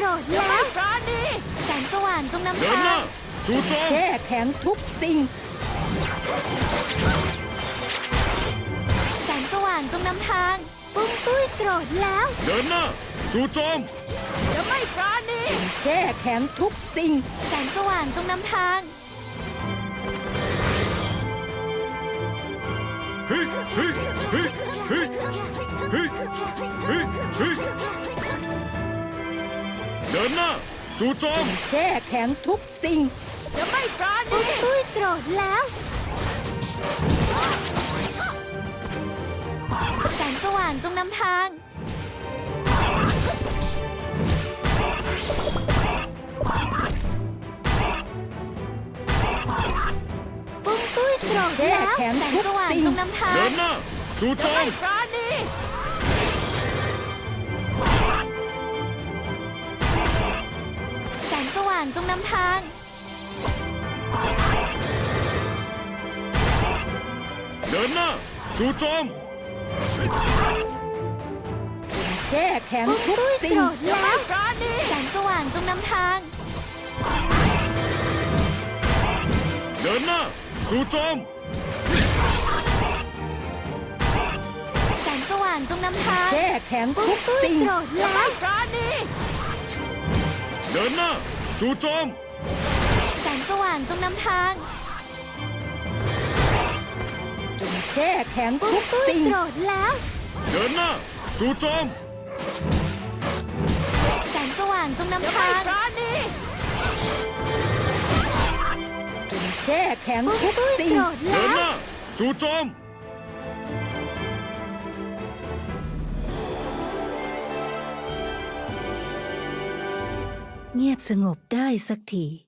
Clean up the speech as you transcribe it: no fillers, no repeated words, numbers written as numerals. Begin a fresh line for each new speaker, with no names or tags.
รธแล้วแสงสว่างจงนำ
เดิน
ทา
หน้าง จู่โจม
แช่แข็งทุกสิ่ง
แสงสว่างจงนำทางปุ้มตุ้ยโกรธแล้ว
เดินหน้าจู่โจม
จะไม่ปราณี
แช่แข็งทุกสิ่ง
แสงสว่างจงนำทาง
เฮ้ยเฮ้ยเฮ้ยเฮ้ยเฮ้ยเฮ้ยเฮ้ยเดินหน้าจู่โจม
แช่แข็งทุกสิ่ง
จะไม่ปราณีปุ้มตุ้ยโกรธแล้วแสงสว่างจงนำทางปุ้มตุ้ยโกรธแล้ว
แช่แข็ง
แสง
ทุก
สว่าง
สิ่ง
จงนำทาง
เดินหน้าจู่โจม
ปราณีแสงสว่างจงนำทาง
เดินหน้าจู่โจม
แช่แข็งทุก
โก
สิ่ง
รธแล้วแสงสว่างจงนำทาง
เดินหน้าจู่โจม
แสงสว่างจงนำทาง
แช่แข็งทุกสิ่ง
โกรธแล้ว
เดินหน้าจู่โจม
แสงสว่างจงนำทาง
แช่แข็งทุกสิ่ง
โกรธแล้ว
เดินหน้าจู่โจม
แสงสว่างจงนำทาง
แช่แข็งทุกสิ่ง
โกรธ
เดิ
แล้
น
ว
หน้าจู่โจม
เงียบสงบได้สักที